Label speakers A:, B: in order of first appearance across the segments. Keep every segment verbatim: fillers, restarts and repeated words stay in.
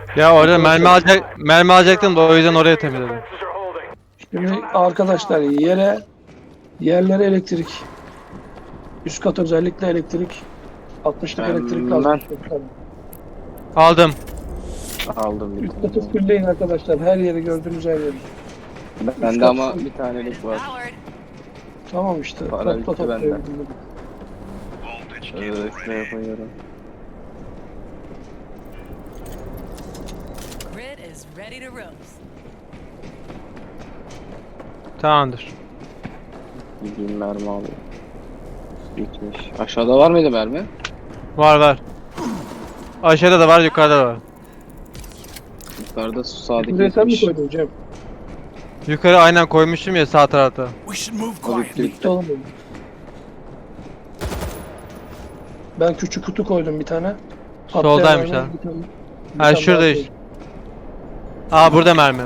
A: Ya orada mermi alacak mermi alacaktım da o yüzden oraya temizledim.
B: Şimdi arkadaşlar yere yerlere elektrik. Üst kat özellikle elektrik. altmışlık elektrik lazım.
C: Ben
A: Aldım.
C: aldım bir
B: Üst
C: tane.
B: katı fullleyin arkadaşlar. Her yeri gördüğünüz her yeri.
C: Bende ama bir tanelik var.
B: Tamam işte.
C: Para
B: Topla
C: bitti
B: topla.
C: benden. Şöyle şuraya koyuyorum.
D: Grid is ready to roast.
A: Tamamdır.
C: Gideyim mermi alayım. Bitmiş. Aşağıda var mıydı mermi?
A: Var var. Aşağıda da var, yukarıda da var.
C: Yukarıda su sağdaki
B: Buraya sen mi
C: bitmiş.
B: koydun Cem?
A: Yukarı aynen koymuştum ya, sağ tarafta.
C: O bitti
B: Bitti
C: bitti.
B: oğlum benim. Ben küçük kutu koydum bir tane. Patlayan
A: Soldaymış
B: mermi,
A: ha.
B: bir tane- bir
A: Ha
B: tane
A: şurada
B: daha
A: iş.
B: koydum.
A: Aa burada mermi.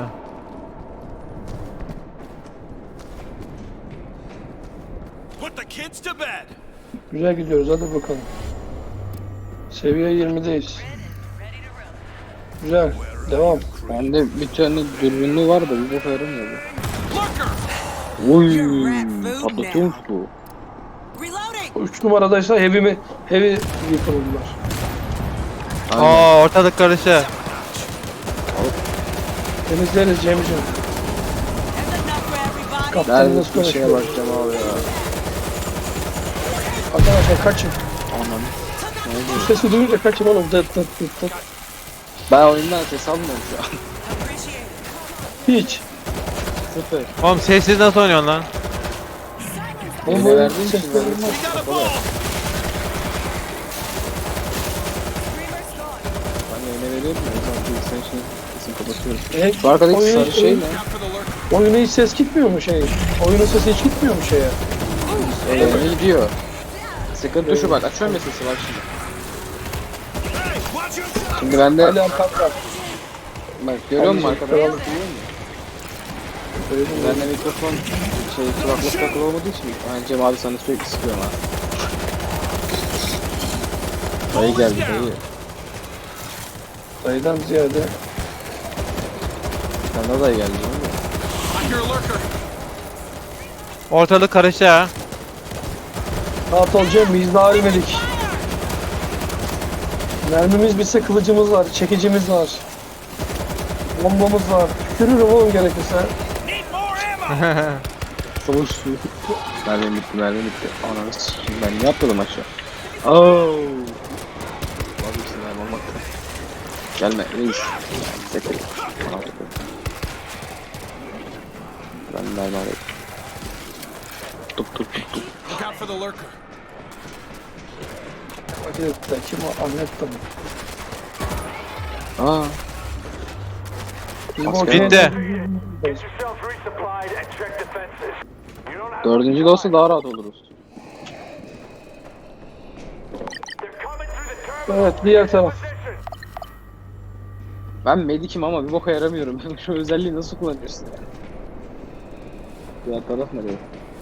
E: Put the kids to bed.
B: Güzel gidiyoruz hadi bakalım. Seviye yirmideyiz.
D: Grid is ready to roast.
B: Güzel. Devam.
C: Bende bir tane dürbünlü var da bir boka yaramıyor bu.
E: Lurker.
C: Oy, patlatıyormuş bu.
D: Reloading.
B: üç numaradaysa heavy mi? Heavy yıkıldılar.
C: Aynen.
A: Aa ortalık karıştı.
B: Temizleriz Cem'ciğim.
D: That's enough for everybody.
B: Kaptanınız
C: Ben bir şeye
B: konuşuyor.
C: bakacağım abi ya.
B: Arkadaşlar kaçın.
C: Anam.
B: Bu sesi duyunca kaçın oğlum. Dıt dıt dıt dıt.
C: Ben oyundan ses almıyorum şu an.
D: Appreciate it.
B: Hiç.
C: Sıfır.
A: Oğlum sessiz nasıl oynuyorsun lan?
B: Oğlum
C: Eline
B: oyun
C: verdiğin için
B: sesleri
C: ben
B: olmaz.
E: We got a ball.
D: Screamer's gone.
C: hani eline veriyorum ya. O zaman bilgisayarın şeyini kesin kapatıyorum.
B: E,
C: Şu arkadaki
B: oyun-
C: sarı şey
B: oyun-
C: ne?
E: Out for the lurker.
B: Oyuna hiç ses gitmiyor mu şey? Oyunun sesi hiç gitmiyor mu şeye?
C: Öyle gidiyor. Sıkıntı şu bak. Açıyorum ya sesi bak şimdi.
E: Hey, watch yourself.
C: Şimdi bende
B: Ali Alkanlar.
C: bak görüyor musun
B: Anneciğim,
C: arkada?
B: kralım.
C: Duyuyor musun?
B: Söyledim ya.
C: Bende mikrofon şey kulaklık takılı olmadığı için yani Cem abi sana sürekli sıkıyorum ha. Dayı geldi dayı.
B: Dayıdan ziyade
C: Sen de dayı geldi değil mi?
E: I hear a lurker.
A: Ortalık karıştı ha.
B: rahat ol Cem, biz daha ölmedik. Mermimiz bitse kılıcımız var, çekicimiz var. Bombamız var. Tükürürüm oğlum gerekirse.
E: Need more ammo.
C: Soğuş su. Mermim bitti mermim bitti. Ananı s**eyim ben niye atladım aşağı? Ooo. Vazgeçtim mermi olmakta. Gelme reis. Sekre. Ben mermi alayım. Tup tup tup tup.
E: Look out for the lurker.
B: Hadi da kim o? Ahmet de mi?
C: Aa.
B: Bizim
C: Asker.
B: ortaya-
A: Bitti.
F: Yourselves resupplied and check defenses. You don't have
C: Dördüncü de olsa daha rahat oluruz.
F: They're coming through the terminal.
B: Evet, diğer taraf.
F: Position.
C: Ben medikim ama bir boka yaramıyorum. Şu özelliği nasıl kullanıyorsun ya? Diğer taraf nereye?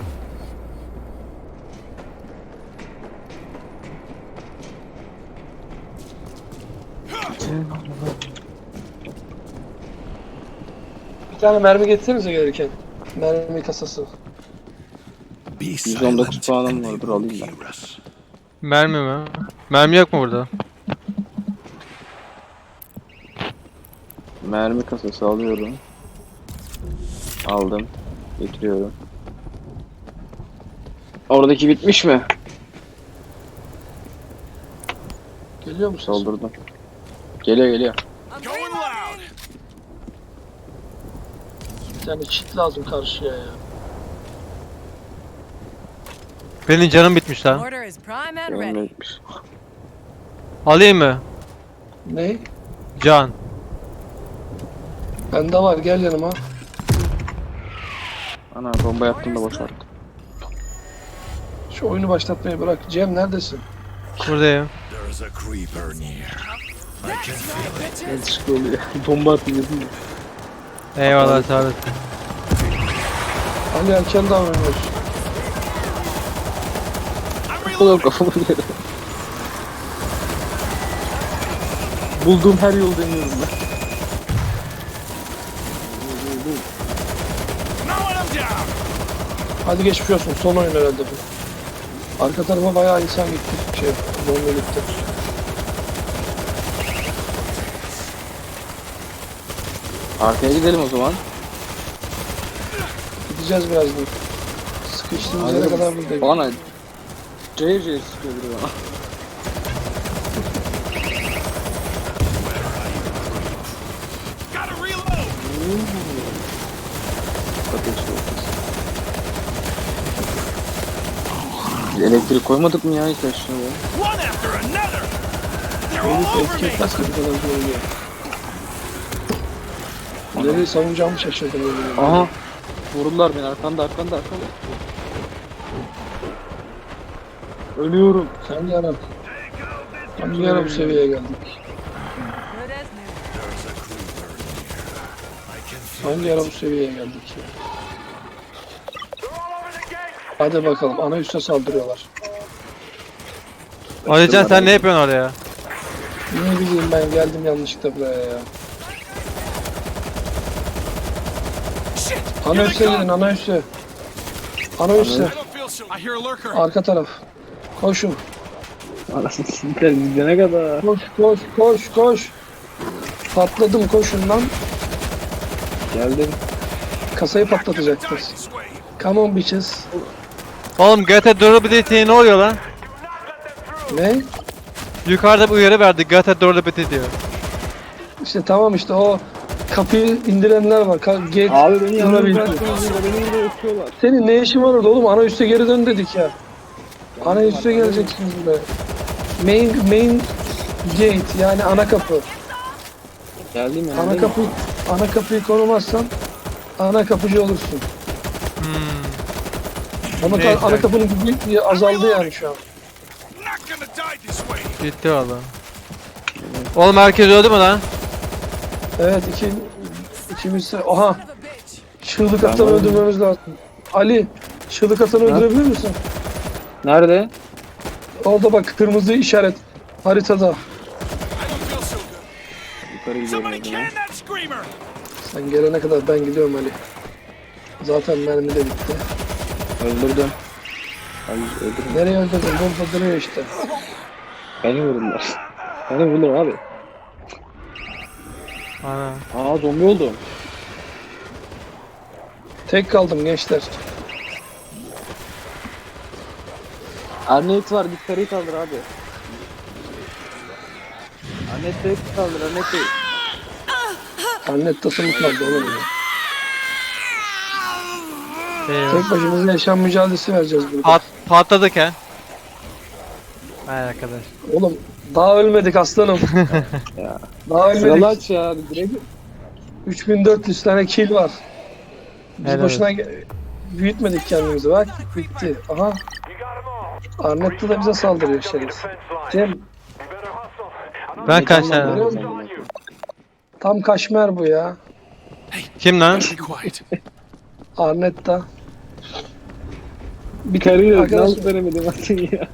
B: Bir tane mermi getirsenize gelirken. Mermi kasası.
E: Be
C: yüz on dokuz puanım var. Dur alayım ben.
A: Mermi mi? Mermi yok mu burada?
C: Mermi kasası alıyorum. Aldım. Getiriyorum. Oradaki bitmiş mi?
B: Geliyor musun?
C: Soldurdum. Geliyor geliyor.
D: I'm
E: Going
D: reloading.
E: loud.
B: Bir tane çit lazım karşıya ya.
A: Benim canım bitmiş lan.
D: Order is prime and
C: Benim de
D: ready.
C: bitmiş.
A: Alayım mı?
B: Ne?
A: Can.
B: Bende var, gel yanıma.
C: Ana bomba yaptım da boşalttım.
B: Şu oyunu başlatmayı bırak. Cem neredesin?
A: Buradayım.
E: There's a creeper near. I can feel it.
C: Ne çıktı oluyor? Bomba atayım dedim ya.
A: Eyvallah sağ olasın.
B: Ali erken davranıyorsun.
E: I'm
C: Oğlum
E: reloading.
C: kafamı yere. Bulduğum her yolu deniyorum ben.
E: Knowing him down.
B: Hadi geçmiş olsun. Son oyun herhalde bu. Arka tarafa bayağı insan gitti. Şey, bomba gitti.
C: Arkaya gidelim o zaman.
B: Gideceğiz birazdan. Sıkıştığımız yere
C: Hadi.
B: kadar buradayız.
C: Bana cayır cayır sıkıyor biri bana.
E: Gotta reload.
C: Bakın şu ortası. Biz elektrik koymadık mı ya hiç aşağıya?
E: One after another. They're all
B: Herif
E: over me.
B: etki etmez ki bu kadar oluyor. Nereyi savunacağımı şaşırdım. öyle.
C: Aha. Vurdular beni arkanda arkanda arkanda. Ölüyorum.
B: Sen yarab. Hangi yara bu seviyeye geldik?
D: Good as new.
B: Hangi yara bu seviyeye geldik ya?
F: They're all over the gates.
B: Hadi bakalım ana üste saldırıyorlar.
A: Alican sen ne yapıyorsun oraya?
B: Ne bileyim ben geldim yanlışlıkla buraya ya.
E: Shit.
B: Ana
E: Here
B: üste
E: they
B: gidin
E: come.
B: ana üste. Ana üste.
E: I don't feel so. I hear a lurker.
B: Arka taraf. Koşun.
C: Anasını siktir gidene kadar.
B: Koş koş koş koş. Patladım koşun lan.
C: Geldim.
B: Kasayı patlatacaktır.
E: This way.
B: Come on bitches.
A: Oğlum G T Durability ne oluyor lan?
B: Ne?
A: Yukarıda bir uyarı verdi G T Durability diyor.
B: İşte tamam işte o kapıyı indirenler var. Ka- Gate
C: Abi beni yalnız
B: durabildi.
C: bıraktınız burada beni burada öpüyorlar.
B: Senin ne işin var orada oğlum? Ana üste geri dön dedik ya. Ana üste geleceksiniz buraya. Main main gate yani ana kapı.
C: Geldim ya.
B: Ana kapı ana kapıyı korumazsan ana kapıcı olursun. Ama
A: Neyse.
B: ka- ana kapının gücü azaldı yani şu an.
E: Not gonna die this way.
A: Bitti valla. Oğlum herkes öldü mü lan?
B: Evet iki ikimiz oha
D: Son of a bitch.
B: çığlık atanı
C: varım.
B: öldürmemiz lazım. Ali çığlık atanı
C: Ha?
B: öldürebilir misin?
C: Nerede?
B: Orada bak kırmızı işaret haritada.
E: I don't feel so good.
C: Yukarı gidiyorum
E: Somebody
C: o zaman.
E: can that screamer.
B: Sen gelene kadar ben gidiyorum Ali. Zaten mermi de bitti.
C: Öldürdüm. Ay öldürdüm.
B: Nereye öldürdün? Burada duruyor işte.
C: Beni vurdular. Beni vurdular abi.
A: Ana.
C: Aa zombi oldum.
B: Tek kaldım gençler.
C: Arnet var git karıyı kaldır abi. Arnet Bey kaldır Arnet Bey.
B: Annet tasımı kaldı oğlum ya.
A: Eyvah.
B: Tek başımıza yaşam mücadelesi vereceğiz burada.
A: Pat patladık he. Vay arkadaş.
B: Oğlum daha ölmedik aslanım.
C: Ya.
B: Daha
C: Sıralı
B: ölmedik.
C: aç ya direkt.
B: üç bin dört yüz tane kill var. Biz
A: Helal
B: boşuna ge- büyütmedik kendimizi bak. Bitti. Aha.
F: You got them all.
B: Arnett de bize saldırıyor
F: Take
B: şerif.
F: defense line.
B: Cem
F: You better hustle. I'm
A: Ben kaç
C: Tamam,
A: tane?
C: tamam.
F: on you.
B: tam kaşmer bu ya.
A: Kim lan?
E: Be quiet.
B: Arnett da. Bir
C: Karıyı
B: arkadaş
C: nasıl veremedim atın ya.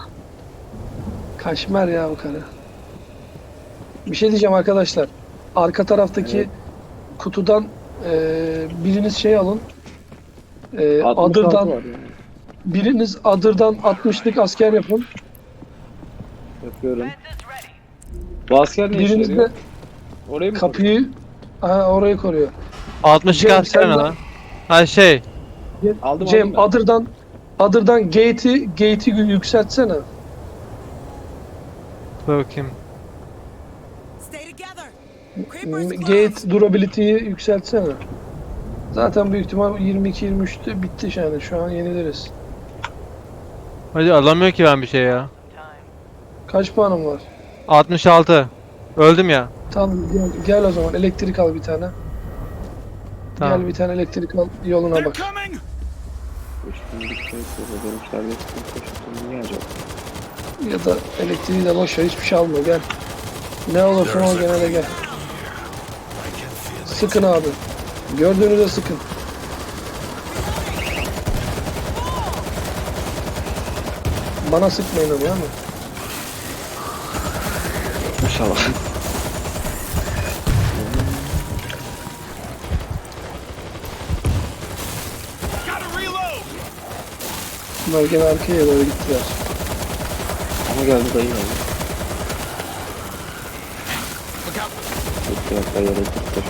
B: kaşmer ya bu karı. Bir şey diyeceğim arkadaşlar. Arka taraftaki
C: Evet.
B: kutudan eee, biriniz şey alın. Eee
C: altmış altı
B: adırdan
C: var yani.
B: biriniz adırdan altmışlık asker yapın.
C: Yapıyorum. Bu asker ne işe
B: Biriniz
C: yarıyor?
B: de
C: Orayı mı koruyor?
B: kapıyı ha, orayı koruyor.
A: altmış
B: Cem,
A: asker
B: sen
A: ne
B: de-
A: lan? Ha şey.
C: Aldım
B: Cem
C: aldım ben.
B: adırdan adırdan gate'i gate'i yükseltsene.
A: Dur bakayım.
D: Stay together.
B: M-
D: Creepers close.
B: Gate durability'yi yükseltsene. Zaten büyük ihtimal yirmi iki yirmi üçte bitti yani şu an yeniliriz.
A: Hadi alamıyor ki ben bir şey ya.
B: Kaç puanım var?
A: altmış altı. Öldüm ya.
B: Tamam gel, gel o zaman elektrik al bir tane.
A: Tamam.
B: Gel bir tane elektrik al yoluna
E: They're
B: bak.
E: coming.
C: Üstünlük şey yapıyor. Dönüşlerde sıkıntı koştum. Niye acaba?
B: Ya da elektriği de boş ver hiçbir şey alma gel. Ne olursa ol gene de gel. Sıkın abi. Gördüğünüzde sıkın. Bana sıkmayın ama ya mı?
C: İnşallah.
B: Bunlar gene arkaya doğru gittiler.
C: Ama geldi dayı geldi. Gitti bak dayı yere gitti.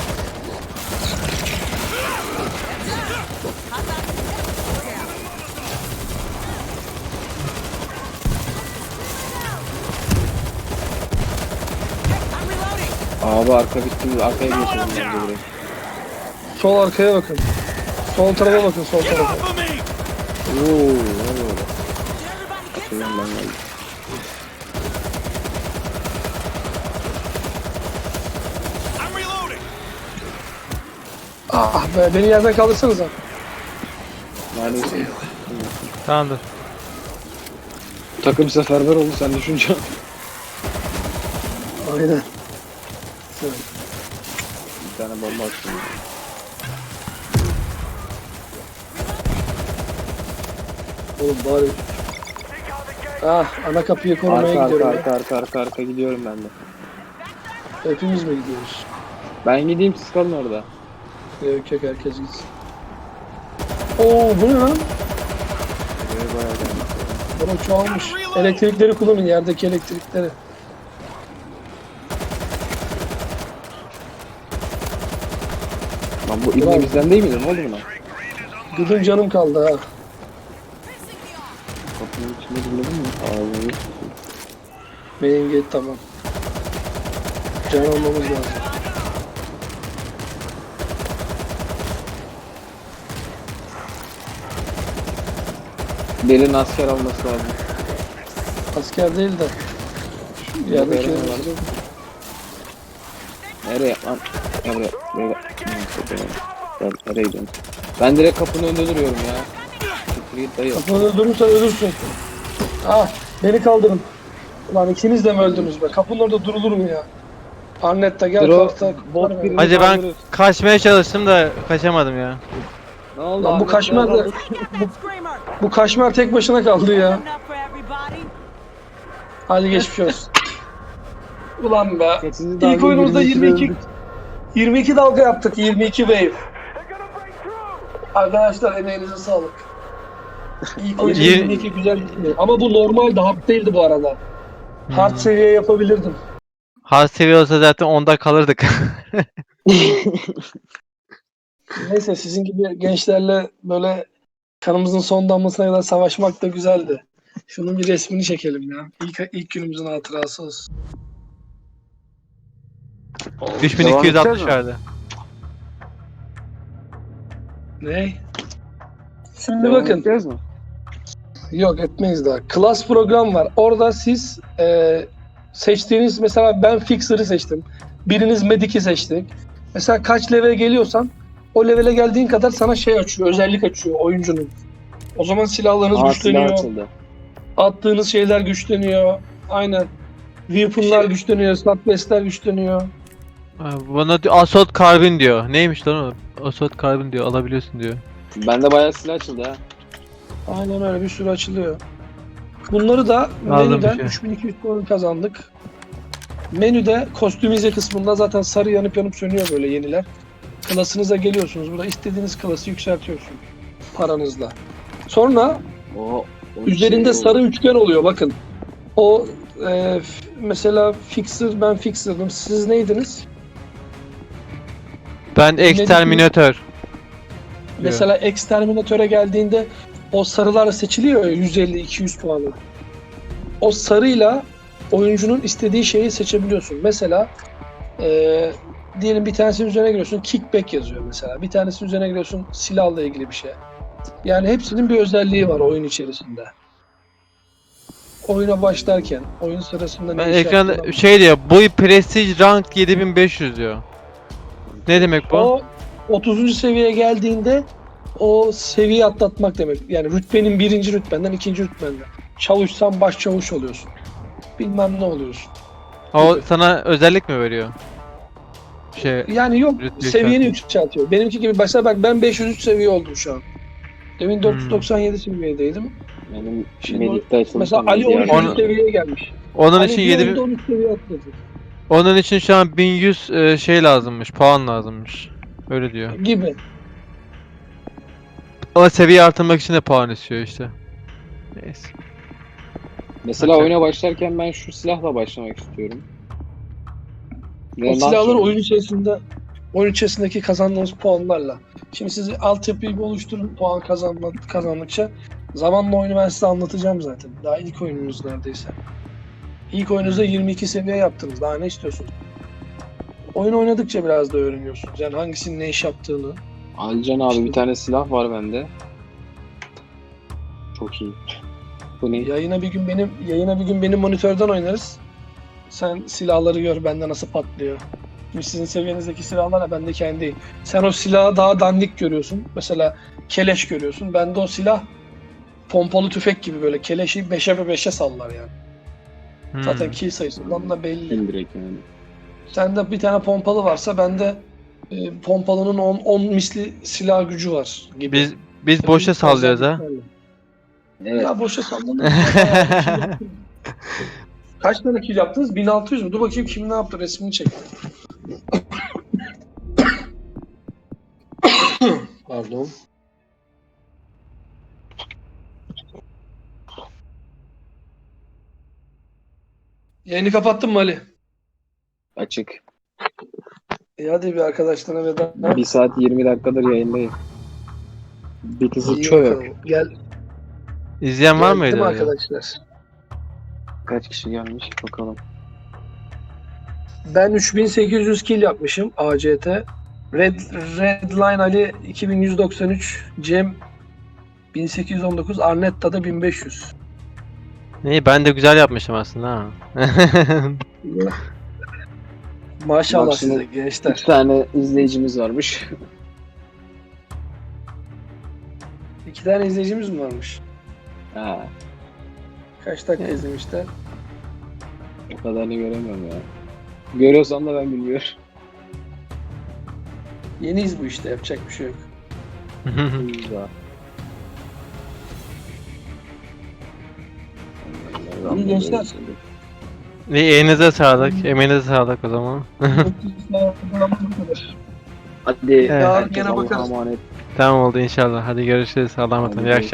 D: I'm reloading.
C: Abi arka bitti. Arkaya geçelim bence buraya.
B: Sol arkaya bakın. Sol tarafa bakın, sol tarafa.
E: Off of me!
C: Ooo ne oluyor orada?
D: Did everybody get
C: Şuradan ben geldim.
E: I'm reloading!
B: Ah be, beni yerden kaldırsanıza.
C: Neredesin?
A: Tamamdır.
C: Takım seferber oldu sen düşünce.
B: Aynen.
C: Bir tane bomba attım.
B: Oğlum bari. Ah, ana kapıyı korumaya
C: Arka arka
B: gidiyorum.
C: arka arka arka arka gidiyorum ben de.
B: ya. Hepimiz mi gidiyoruz?
C: Ben gideyim siz kalın orada.
B: Yok yok, herkes gitsin. Oo, bu ne lan?
C: Buraya bayağı geldim.
B: Bana çoğalmış. Elektrikleri kullanın, yerdeki elektrikleri.
C: Lan bu ibne bizden değil miydi? Ne oldu buna?
B: Gıdım canım kaldı ha.
C: Kapının içinde bulmadın mı? Ağzını.
B: Main gate tamam. Can almamız lazım.
C: Belin asker alması lazım.
B: Asker değil de. Şu yerdeki
C: Nereye vardı? Nereye lan? Gel buraya. Buraya bak. Neyse, buraya. Gel nereye gidiyorsun? Ben direkt kapının önünde duruyorum ya. Siktir git dayı.
B: kapını durursan ölürsün. Ah, beni kaldırın. Ulan ikiniz de mi öldünüz be? Kapının orada durulur mu ya? Arnetta gel,
C: Dur o,
B: kalkta.
C: bot
B: Var
C: birini
B: mı?
A: Hacı ben
C: kaldırır.
A: kaçmaya çalıştım da kaçamadım ya.
C: Ne oldu?
B: Lan bu
C: Ahmet?
B: kaşmer de,
D: Screamer.
B: bu kaşmer tek başına kaldı ya.
D: Enough for everybody.
B: Hadi geçmiş olsun. Ulan be.
C: Kaçıncı
B: İlk
C: dalga
B: oyunumuzda
C: yirmi iki
B: yirmi iki
C: öldük.
B: yirmi iki dalga yaptık. yirmi iki wave. Arkadaşlar emeğinize sağlık. İlk oyunda
A: Yir-
B: yirmi iki güzel gitti. Ama bu normaldi, hard değildi bu arada. Hard
A: Hmm.
B: seviye yapabilirdim.
A: Hard seviye olsa zaten onda kalırdık.
B: Neyse, sizin gibi gençlerle böyle kanımızın son damlasına kadar savaşmak da güzeldi. Şunun bir resmini çekelim ya. İlk, ilk günümüzün hatırası olsun.
A: üç bin iki yüz altmış verdi.
B: Ne? Şimdi
C: Devam
B: bakın.
C: edeceğiz mi?
B: Yok, etmeyiz daha. Class program var. Orada siz e, seçtiğiniz, mesela ben Fixer'ı seçtim. Biriniz Medic'i seçtik. Mesela kaç level geliyorsan o levele geldiğin kadar sana şey açıyor, özellik açıyor oyuncunun. O zaman silahlarınız
C: Aa, silah
B: güçleniyor.
C: açıldı.
B: Attığınız şeyler güçleniyor. Aynen. Weapon'lar güçleniyor, slapbase'ler güçleniyor.
A: Ha, Bana diyor, Assault Carbine diyor. Neymiş lan o? Assault Carbine diyor, alabiliyorsun diyor.
C: Bende bayağı silah açıldı ha.
B: Aynen öyle, bir sürü açılıyor. Bunları da
A: Aldım
B: menüden
A: bir şey.
B: üç bin iki yüz puan kazandık. Menüde kostümize kısmında zaten sarı yanıp yanıp sönüyor böyle yeniler. Klasınıza geliyorsunuz. Burada istediğiniz klası yükseltiyorsunuz paranızla. Sonra
C: O, o
B: üzerinde
C: şey
B: sarı
C: oldu.
B: üçgen oluyor bakın. O e, f- mesela Fixer, ben Fixer'dım. Siz neydiniz?
A: Ben Exterminator.
B: Mesela Exterminator'a geldiğinde o sarılar seçiliyor ya, yüz elli iki yüz puanı. O sarıyla oyuncunun istediği şeyi seçebiliyorsun. Mesela eee diyelim bir tanesinin üzerine giriyorsun, kickback yazıyor mesela. Bir tanesinin üzerine giriyorsun, silahla ilgili bir şey. Yani hepsinin bir özelliği var oyun içerisinde. Oyuna başlarken, oyun sırasında
A: Ben
B: ne iş
A: ekranda
B: yaptığını-
A: şey diyor, bu Prestige Rank yedi bin beş yüz diyor. Ne demek bu?
B: O otuzuncu seviyeye geldiğinde o seviye atlatmak demek. Yani rütbenin birinci rütbenden ikinci rütbenden. Çavuşsan baş çavuş oluyorsun. Bilmem ne oluyorsun.
A: O sana özellik mi veriyor? Şey,
B: Yani yok,
A: Rütbe
B: seviyeni yükseltiyor. Benimki gibi başla bak, ben beş yüz üç seviye oldum şu an. Demin dört yüz doksan yedi seviyedeydim.
C: Benim
B: Şimdi
C: Medik'te açılmış.
B: Mesela
C: ama
B: Ali
C: diğer-
B: on üçüncü
A: Onu-
B: seviyeye gelmiş.
A: onun
B: Ali
A: için
B: bir
A: yedi
B: oyunda on üç seviye atladı.
A: onun için şu an bin yüz e, şey lazımmış, puan lazımmış. Öyle diyor.
B: Gibi.
A: Ama seviye artırmak için de puan istiyor işte. Neyse.
C: Mesela
A: Okey.
C: oyuna başlarken ben şu silahla başlamak istiyorum.
B: O
C: Ve
B: silahları
C: nasıl-
B: oyun içerisinde oyun içerisindeki kazandığınız puanlarla. Şimdi siz altyapıyı bir oluşturun puan kazanma, kazandıkça. Zamanla oyunu ben size anlatacağım zaten. Daha ilk oyununuz neredeyse. İlk oyununuzda yirmi iki seviye yaptınız. Daha ne istiyorsunuz? Oyun oynadıkça biraz da öğreniyorsunuz. Yani hangisinin ne iş yaptığını.
C: Alican abi
B: İşte-
C: bir tane silah var bende. Çok iyi. Bu ne?
B: Yayına bir gün benim yayına bir gün benim monitörden oynarız. Sen silahları gör bende nasıl patlıyor. Şimdi sizin seviyenizdeki silahlarla bende kendi. Sen o silahı daha dandik görüyorsun. Mesela keleş görüyorsun. Bende o silah pompalı tüfek gibi böyle keleşi beşe beşe sallar yani.
A: Hmm.
B: Zaten kill sayısından da belli.
C: Direkt yani.
B: Sende bir tane pompalı varsa bende e, pompalının on misli silah gücü var gibi.
A: Biz biz
B: İşte
A: boşa
B: bu
A: sallıyoruz ha.
B: özelliklerle.
C: Evet.
B: Ya boşa sallanır. Kaç tane kill yaptınız? bin altı yüz mü? Dur bakayım kim ne yaptı resmini çek. Pardon. Yayını kapattın mı Ali?
C: Açık.
B: E hadi bir arkadaşlarına veda.
C: Bir saat yirmi dakikadır yayındayım. Bir kızı
B: İyi
C: çöp.
B: bakalım. Gel.
A: İzleyen var
B: Geldi
A: mıydı?
B: mi
A: öyle?
B: arkadaşlar?
C: Kaç kişi gelmiş bakalım.
B: Ben üç bin sekiz yüz kill yapmışım A C T. Red Redline Ali iki bin yüz doksan üç, Cem bin sekiz yüz on dokuz, Arnetta'da bin beş yüz.
A: İyi ben de güzel yapmışım aslında ha.
B: Maşallah
C: Maksimum
B: size gençler.
C: İki tane izleyicimiz varmış.
B: İki tane izleyicimiz mi varmış?
C: Ha,
B: Kaç dakika
A: Evet.
B: izlemişler?
C: o kadarını göremiyorum ya. Görüyorsam da ben bilmiyorum.
B: Yeniyiz bu işte, yapacak bir şey yok.
C: Güzel.
B: İyi gençler.
A: İyi elinize sağlık. Emeğinize sağlık o zaman.
C: Hadi
A: Evet.
C: herkes
B: Gene
C: Allah'a
B: bakarız.
C: emanet.
A: Tamam oldu inşallah. Hadi görüşürüz. Allah'a emanet olun.
C: Hadi
A: İyi akşamlar.